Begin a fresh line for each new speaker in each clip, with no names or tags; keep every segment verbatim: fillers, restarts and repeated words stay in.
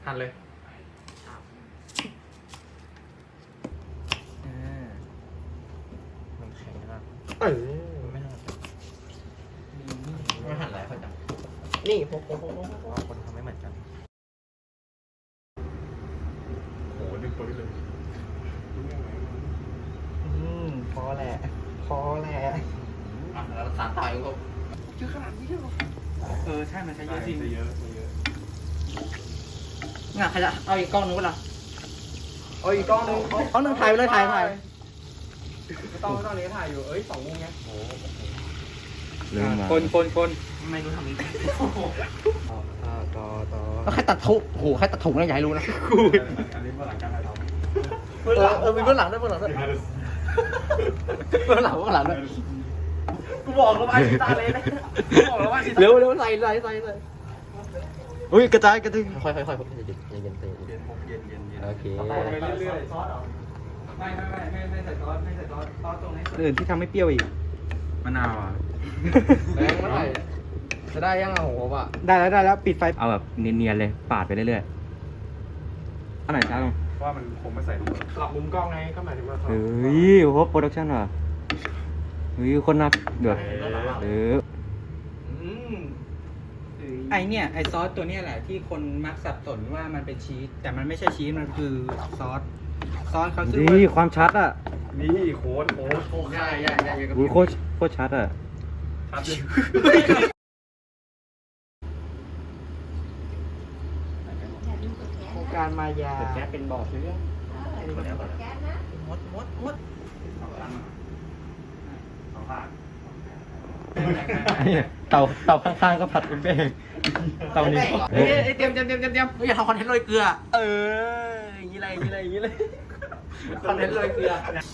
หั่นเลยมันแข็งมากเออไม่น่าจะไม่หั่นอะไรเขาจังนี่พกพกพกพกคนทำไม่เหมือนกันโหดึงตัวเลยอืมพอแหละพอแหละอ่ะแล้วสารตายก็เยอะขนาดนี้เลยเออใช่มันใช้เยอะจริงเยอะเยอะงั้นใครจะเอาอีกกล้องนึงวะล่ะเอาอีกกล้องนึงกล้องนึงถ่ายไปเลยถ่ายถ่ายไม่ต้องไม่ต้องนี้ถ่ายอยู่เอ้ยสองมุมไงโอ้คนคนคนไม่รู้ทำนี้ต่อต่อต่อแล้วใครตัดถุงโหใครตัดถุงนะอย่าให้รู้นะกูอันนี้เมื่อหลังการถ่ายทำเออเออมีเมื่อหลังด้วยเมื่อหลังด้วยเมื่อหลังเมื่อหลังด้วยกูบอกแล้วว่าชิตาเลยนะกูบอกแล้วว่าชิตาเร็วเร็วใส่ใส่ใส่ใส่อุ้ยกระจายกระจายค่อยค่อยค่อยเย็นเย็นเย็นเย็นเย็นเย็นเย็นเย็นโอเคไปเรื่อยๆซอสเหรอไม่ไม่ไม่ไม่ไม่ใส่ซอสไม่ใส่ซอสซอสตรงนี้อื่นที่ทำให้เปรี้ยวอีกมะนาวอ่ะแรงเมื่อไหร่จะได้ยังอ่ะโหป่ะได้แล้วได้แล้วปิดไฟเอาแบบเนียนๆเลยปาดไปเรื่อยๆอันไหนจ้าลงว่ามันคงไม่ใส่ลงกลับมุมกล้องไงก็หมายถึงว่าเฮ้ยโหโปรดักชั่นว่ะเฮ้ยคนนักเดือดเออไอเนี่ยไอซอสตัวเนี้ยแหละที่คนมักสับสนว่ามันเป็นชีสแต่มันไม่ใช่ชีสมันคือซอสซอสเขาชื่อว่าความชัดอ่ะนี่โค้ดโค้ดโค้ดใช่ใช่ใช่โค้ดโค้ดชัดอ่ะชัดเลยโครงการมายาแก๊สเป็นบ่อเชื้อมดมดมดเต่าเต่าข้างๆก็ผัดเป็นเป้งเต่านี้เฮ้ยเตรียมเตรียมเตรียมเตรียมเตรียมอย่าทำคอนเทนต์โรยเกลือเอออย่างนี้เลยอย่างนี้เลยอย่างนี้เลยคอนเทนต์โรยเกลือ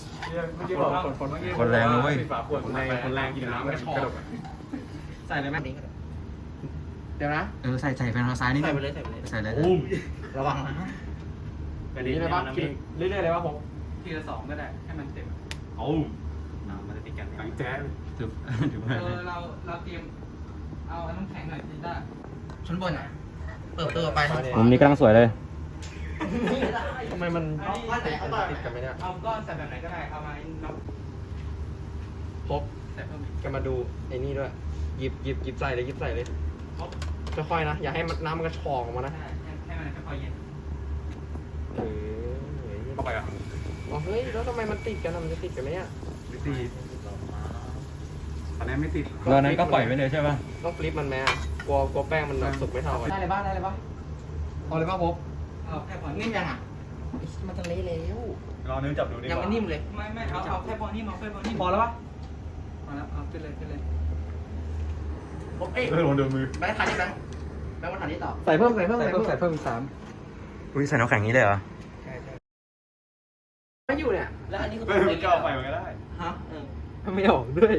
คนแรงนะเว้ยคนแรงคนแรงกินน้ำก็ชอบใส่เลยไหมเดี๋ยวนะเออใส่ใส่แฟนทางซ้ายนี่ใส่ไปเลยใส่ไปเลยใส่เลยระวังนะอันนี้เลยป่ะเรื่อยๆเลยป่ะผมทีละสองก็ได้ให้มันเต็มโอ้มันจะติดกันแจ๊ถือถือเออเราเราเตรียมเอาน้ำแข็งหน่อยจิต้าชั้นบนอ่ะเปิดเปิดไปมุมนี้กำลังสวยเลยทำไมมันเอาก้อนไหนเอาก้อนติดกันไหมเนี่ยเอาก้อนใส่แบบไหนก็ได้เอามาน็อกพบใส่เพิ่มกันมาดูไอ้นี่ด้วยหยิบหยิบหยิบใส่เลยหยิบใส่เลยค่อยๆนะอย่าให้น้ำมันกระชอกออกมานะให้มันค่อยๆเย็นเออเข้าไปอ่ะอ๋อเฮ้ยแล้วทำไมมันติดกันมันจะติดกันไหมอ่ะไม่ติดอันนี้ไม่ติดตอนนั้นก็ปล่อยไปเลยใช่ป่ะต้องฟลิปมันแม่กลัวกลัวแป้งมันสุกไม่เท่ากันได้เลยบ้างได้เลยบ้างเอาเลยบ้างพบเอาแค่พอนิ่มยังอ่ะมันจะเละแล้วรอเนื้อจับดูดิยังไม่นิ่มเลยไม่ไม่เอาเอาแค่พอนิ่มเอาแค่พอนิ่มพอแล้วปะพอแล้วเอาขึ้นเลยขึ้นเลยพบเอ้ยลงเดินมือแบงค์ทันนี่แบงค์แบงค์มาทันนี่ต่อใส่เพิ่มใส่เพิ่มใส่เพิ่มใส่เพิ่มอีกสามอุ้ยใส่น้ำแข็งนี้เลยเหรอใช่ใช่ไม่อยู่เนี่ยแล้วอันนี้ก็ไม่ก็เอาไปมันก็ได้ฮะไม่ออกด้วย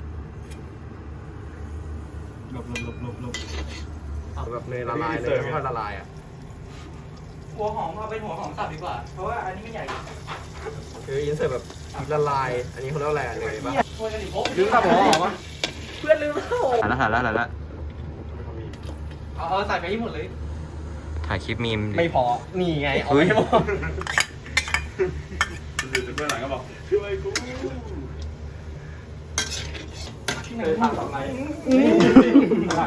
หลบหลบหลบหลบหลบแบบเนยละลายเลยค่อยละลายอ่ะหัวหอมเอาเป็นหัวหอมสับดีกว่าเพราะว่าอันนี้ไม่ใหญ่คือยินเสิร์ฟแบบละลายอันนี้เขาเรียกอะไรเลยป่ะลืมสับหัวหอมอ่ะเพื่อนลืมแล้วหันแล้วหันแล้วหันแล้วเอาเอาใส่ไปให้หมดเลยถ่ายคลิปมีมไม่พอนี่ไงเอาไปหมดดูจากเบื้องหลังก็บอกช่วยกูที่ไหนทำอะไรนี่ถ่าย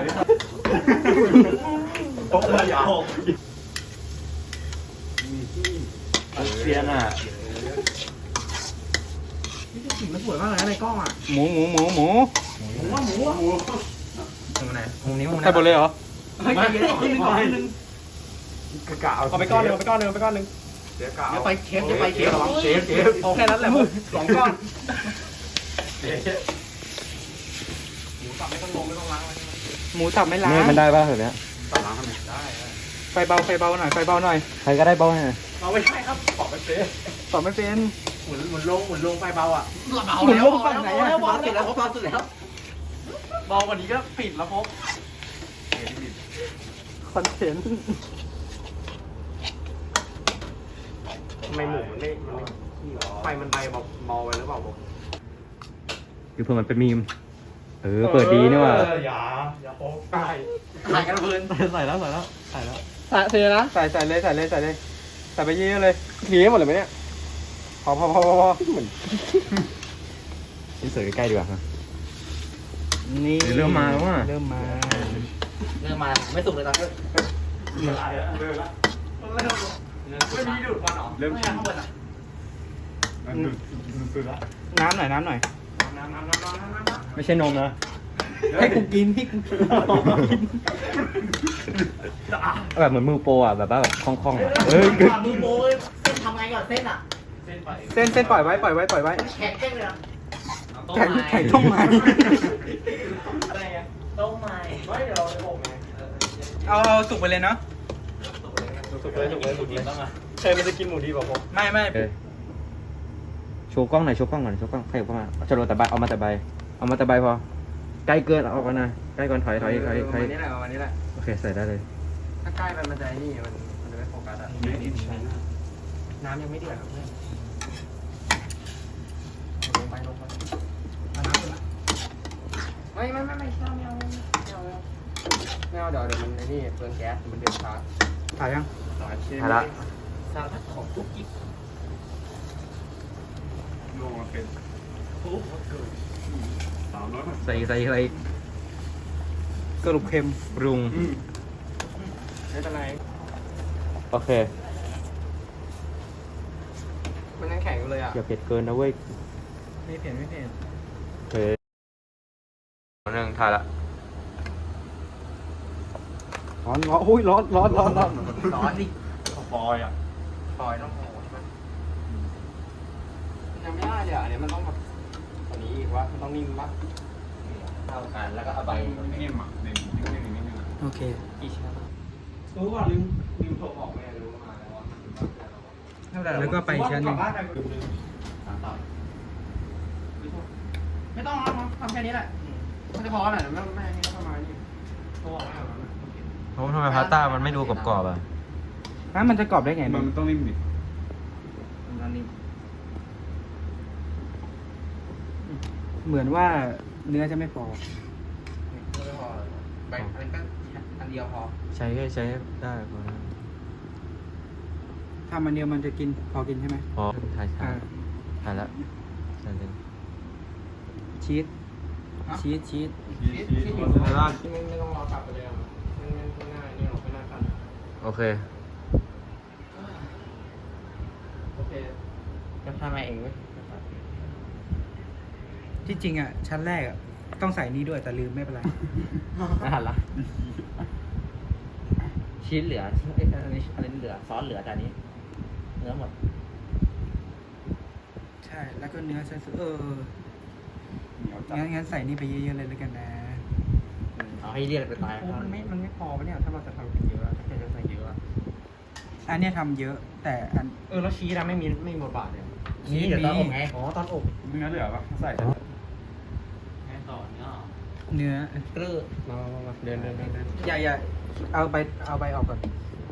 โต๊ะเลยอ่ะเซียนอ่ะนี่สีมันสวยมากเลยในกล้องอ่ะหมูหมูหมูหมูหมูว่าหมูหมูตรงไหนมุมนี้มุมไหนใส่หมดเลยเหรอไม่ใช่ขึ้นหนึ่งก่อนขึ้นหนึ่งกะเอาไปก้อนหนึ่งเอาไปก้อนหนึ่งเอาไปก้อนหนึ่งเดี๋ยวกะเดี๋ยวไปเชฟเดี๋ยวไปเชฟเชฟเชฟเอาแค่นั้นแหละสองก้อนหมูสับไม่ต้องลงไม่ต้องล้างหมูสับไม่ล้างมันได้ป่ะแบบนี้สับล้างทำไมได้ไฟเบาไฟเบาหน่อยไฟเบาหน่อยใครก็ได้เบาหน่อยเราไม่ใช่ครับตอบไม่เป็นตอบไม่เป็นหมุนหมุนลงหมุนลงไฟเบาอ่ะหมุนลงฝั่งไหนอ่ะเบาสุดแล้วเบาสุดแล้วเบากว่านี้ก็ปิดแล้วพบคอนเทนต์ทำไมหมูมันไม่มันไม่ไฟมันใบเบาไปหรือเปล่าผมคือเพื่อมันเป็นมีมเออเปิดดีนี่ว่ะอย่าอย่าโป๊กใส่ใส่กันเพลินใส่แล้วใส่แล้วใส่แล้วใส่ใส่นะใส่ใส่เลยใส่เลยใส่เลยใส่ไปเยอะๆเลยทีให้หมดเลยไหมเนี่ยพอพอพอพอพอเหมือนนี่เสิร์ฟใกล้ๆดีกว่านี่เริ่มมาแล้วว่ะเริ่มมาเริ่มมาไม่สุกเลยตอนนี้เริ่มเริ่มละไม่มีดูดควันหรอเริ่มข้างบนอ่ะน้ำหน่อยน้ำหน่อยน้ำน้ำน้ำน้ำน้ำน้ำไม่ใช่นมนะให้กูกินให้กูกินแบบเหมือนมือโปรอ่ะแบบว่าแบบคล่องๆอ่ะเฮ้ยมือโปรเส้นทำไงก่อนเส้นอ่ะเส้นปล่อยเส้นเส้นปล่อยไว้ปล่อยไว้ปล่อยไว้แข็งเส้นเลยอ่ะแข็งแข็งต้มไม้อะไรเงี้ยต้มไม้ไม่เดี๋ยวเราจะอบไงเอาเอาสุกไปเลยเนาะสุกเลยสุกเลยสุกเลยต้องอ่ะใครมันจะกินหมูดีกว่าผมไม่ไม่โชว์กล้องหน่อยโชว์กล้องหน่อยโชว์กล้องใครเข้ามาจะโดนแต่ใบเอามาแต่ใบเอามาแต่ใบพอใกล้เกินเอาออกมาหน่อยใกล้ก่อนถอยถอยถอยถอยนี่แหละวันนี้แหละโอเคใส่ได้เลยถ้าใกล้ไปมันจะนี่มันมันจะไม่โฟกัสอ่ะน้ำยังไม่เดือดเพื่อนลงไปลงไปเอาน้ำเลยนะไม่ไม่ไม่ไม่ไม่เอาไม่เอาไม่เอาเดี๋ยวเดี๋ยวมันไอ้นี่เปลืองแก๊สมันเดือดช้าถ่ายยังถ่ายละสารพัดของกุ๊กกิ๊กโน่เป็นใส่ใส่อะไรสรุปเค็มปรุงไม่เป็นไรโอเคมันยังแข็งอยู่เลยอ่ะอย่าเผ็ดเกินนะเว้ยไม่เผ็ดไม่เผ็ดโอเคหนึ่งถ่ายละร้อนร้อนอุ้ยร้อนร้อนร้อนร้อนร้อนดิฟอยอ่ะฟอยต้องโหใช่ไหมยังไม่ได้เดี๋ยวอันนี้มันต้องแบบอันนี้อีกว่ามันต้องนิ่มปะเท่ากันแล้วก็เอาใบนิ่มอ่ะนิ่มนิ่มนิ่มนิ่มโอเคกี่ชั้นรู้ก่อนลืมลืมโทรบอกแม่รู้มาแล้วว่าแล้วก็ไปชั้นหนึ่งไม่ต้องทำแค่นี้แหละมันจะพอแหละไม่ไม่ไม่ต้องมานี่โทรบอกแม่ผมทำไมพาสต้ามันไม่ดูกรอบๆอ่ะน้ำมันจะกรอบได้ไงมันต้องนิ่มดิมันนิ่มเหมือนว่าเนื้อจะไม่พอไม่พอใบอันนี้ก็อันเดียวพอใช้ใช้ได้พอทำอันเดียวมันจะกินพอกินใช่ไหมพอถ่ายถ่ายถ่ายแล้วใส่เลยชีสชีสชีสชีสชีสอยู่ในร้านไม่ต้องรอกลับไปเลยอ่ะมันมันง่ายนี่หรอกไม่น่ากันโอเคโอเคจะทำอะไรเองไหมที่จริงอ่ะชั้นแรกอ่ะต้องใส่นี้ด้วยแต่ลืมไม่เป็นไรน่ารักชิ้นเหลือไอ้อันนี้อันนี้เหลือซอสเหลือแต่นี้เนื้อหมดใช่แล้วก็เนื้อใส่เอองั้นงั้นใส่นี่ไปเยอะๆเลยแล้วกันนะเอาให้เรียกไปตายมันไม่มันไม่พอปะเนี่ยถ้าเราจะทำเยอะถ้าจะใส่เยอะอันนี้ทำเยอะแต่อันเออแล้วชีสนะไม่มีไม่มีบทบาทเลยชีสเดี๋ยวตอนอบไงอ๋อตอนอบเนื้อเหลือปะใส่แค่ต่อเนื้อเนื้อกลือมามามาเดินเดินเดินอย่าอย่าเอาไปเอาไปออกก่อน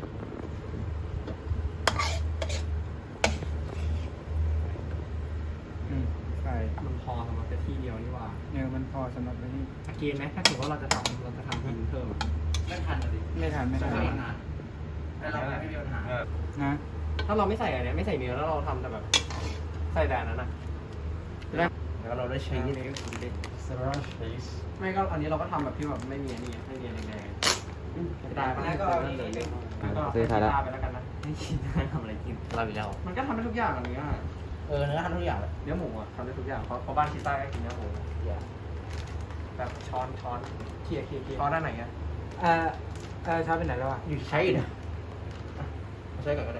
อืมใช่มันพอสำหรับที่เดียวนี่ว่าเนี่ยมันพอสำหรับที่เกณฑ์ไหมถ้าถือว่าเราจะทำเราจะทำกินเพิ่มไม่ทันเลยไม่ทันไม่ทันไม่ทันแต่เราไม่มีปัญหานะถ้าเราไม่ใส่อะไรไม่ใส่เนื้อแล้วเราทำแต่แบบใส่แต่นั้นนะแล้วเราได้ใช้นี่เลยสลัดชีสไม่ก็อันนี้เราก็ทำแบบที่แบบไม่มีอันนี้ไม่มีอะไรแดงๆตายไปแล้วก็เอาเลยเลยก็ซื้อทาไปแล้วกันนะไม่กินได้ทำอะไรกินเราอีกแล้วมันก็ทำได้ทุกอย่างอันนี้เออเนื้อทำได้ทุกอย่างเนื้อหมูอ่ะทำได้ทุกอย่างเพราะเพราะบ้านชิต้าก็กินเนื้อหมูแบบช้อนช้อนเคี่ยเคี่ยเคี่ยช้อนด้านไหนอ่ะเออเออช้อนเป็นไหนแล้วอ่ะอยู่ใช้เนี่ยใช้ก่อนก็ได้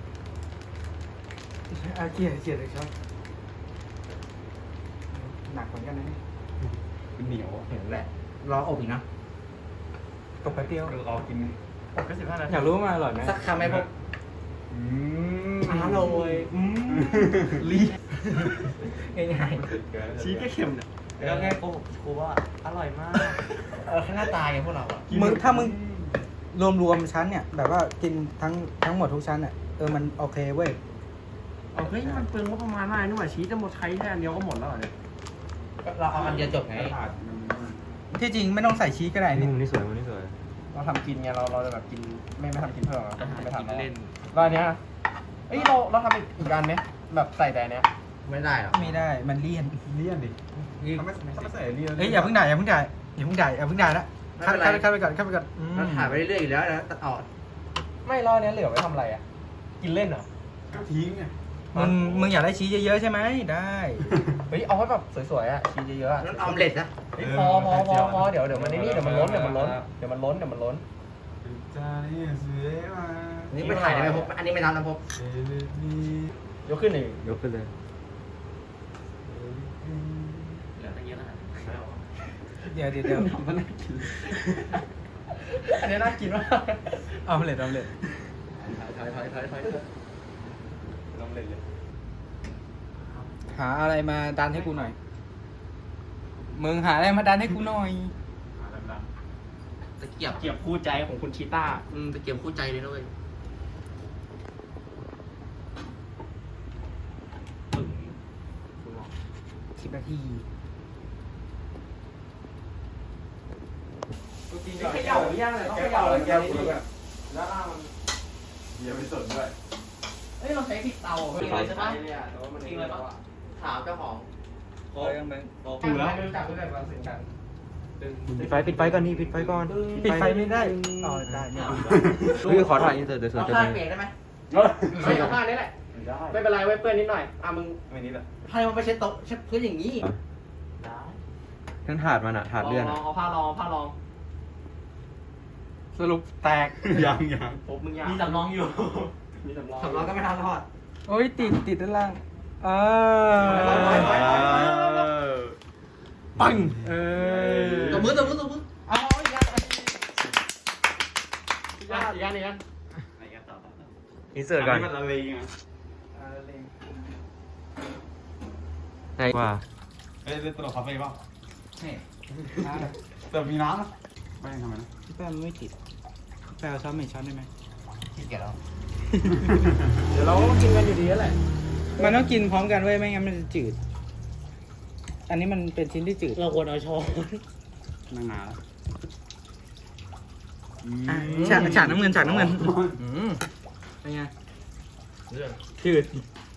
อ่ะเคี่ยเคี่ยเลยช้อนหนักเหมือนกันนะเป็นเหนียวเหนียวแหละรออบอีกนะตกไปเปรี้ยวรอกินอบก็สิบห้านาทีอยากรู้มาอร่อยไหมสักคำไหมพวกอืมอร่อยอืมลีง่ายๆชี้แค่เค็มเนี่ยแล้วแค่โกหกครูว่าอร่อยมากเออแค่หน้าตาไงพวกเราอ่ะมึงถ้ามึงรวมรวมชั้นเนี่ยแบบว่ากินทั้งทั้งหมดทุกชั้นอ่ะเออมันโอเคเว้ยเฮ้ยมันเปลืองงบประมาณมากนี่หว่าชี้จะหมดใช้แค่อันเดียวก็หมดแล้วเนี่ยเราเอาอันเดียวจบไงที่จริงไม่ต้องใส่ชีสก็ได้นี่นี่สวยนี่สวยเราทำกินไงเราเราจะแบบกินไม่ไม่ทำกินเพิ่มอ่ะไม่ทำ
เล่น
แล้วอันเนี้ยเอ้ยเราเราทำอีกอีกอันเนี้ยแบบใส่แต่เนี้ย
ไม่ได้หรอ
ไม่ได้มันเลี่ยน
เลี่ยนดิถ้าไม่ถ้าไม่ใส่เลี่ยน
เอ้ยอย่าเพิ่งด่าอย่าเพิ่งด่าอย่าเพิ่งด่าอย่าเพิ่งด่าละข้ามข้ามข้ามไปก่อนข้ามไปก่อนอืม
มันถ่ายไปเรื่อยๆอยู่แล้วนะตัดออก
ไม่แล้วอันเนี้ยเหลือไว้ทำอะไรอ่ะกินเล่นเหรอ
ก็ทิ้งไง
มึงมึงอยากได้ชี้เยอะๆใช่ไหมได้
เฮ้ยเอาให้แบบสวยๆอ่ะชีสเยอะๆอะ
นั่นออมเล็ตนะ
เฮ้ยพอพอพอพอเดี๋ยวเดี๋ยวมันนี่เดี๋ยวมันล้นเดี๋ยวมันล้นเดี๋ยวมันล้นเดี๋ยวมันล้น
จ้านี่สวยมา
นี่ไม่ถ่ายได้ไหมพบอันนี้ไม่ทำนะพบ
เอเลนี
ยกขึ้นหนึ่ง
ยกขึ้นเลย
เหลือตั้งเยอะนะ
เดี๋ยวเดี๋ยวเดี๋ยว
มันน่ากินอันนี้น่ากินมาก
เอาเลยเอาเลย
ถอยถอยถอยถอยลองเล่นเลย
หาอะไรมาดันให้กูหน่อยมึงหาอะไรมาดันให้กูหน่อย
ตะเกียบ
เกียบคู่ใจของคุณชีต้า
อืมตะเกียบคู่ใจเลยนะเว้ย
สิบนาที
เขย่าหรือยังเลยต้องเขย่าเลยแกนี่ดีแล้วล่างมัน
อย่าไปสนด้วย
เฮ้ยเราใช้ผิดเตาจริงเลยใช่ปะจริงเลยปะ
ถามเจ้าของ
โค้งถูแล้วจับด้วยกันมาสึงกัน
ปิดไฟปิดไฟก่อนนี่ปิดไฟก่อน
ปิดไฟไม่ได้อ๋อได้เนี่ย
เฮ้ยขอถ่ายอินเสิร์ตเดี๋ยวสวน
เอา
จะ
ข้าง
มี
เปลี่ยนได้ไหม
ไม่เอาผ้านี้แหละ
ได้
ไม่เป็นไรไว้เปื้อนนิดหน่อยอ่ะมึง
ไม่นี่แหละ
ให้มันไปเช็ดโต๊ะเช็ดพื้นอย่างนี้
ทั้งถาดมันอะถาดเลื่อน
ล
อะ
องเอาผ้ารองเอาผ้ารอง
สรุปแตก
ยังยัง
ปุ๊บมึงยามีสำรองอยู่ มีสำรอง
สำรองก็ไม่ทำทอด
โอ้ยติดติดด้านล่างเออ
ปัง
เออ
ตัวมือตัวมือตัวมือ
เอาอีกอันอีกอันอีกอันอีกอัน
อินเสิร์ตก่อน
มันละเลงอ่ะ
ไหนว่า
เอ้ยเล่นตลกคาเฟ่ป่ะแต่มีน้ำนะไม่ทำไมนะ
พี่แป้งมันไม่ติดแป้งเอาช้อนไม่ช้อนได้ไหม
ขี้เกียจแล้ว
เดี๋ยวเราก็กินกันอยู่ดีแหละ
มันต้องกินพร้อมกันเว้ยไม่งั้นมันจะจืด อันนี้มันเป็นชิ้นที่จืด
เราควรเอาช้อน
นั่งนานแล้ว
อ่ะฉากฉากน้ำเงินฉากน้ำเงินอืมเป็นไง
เรื่อง
จืด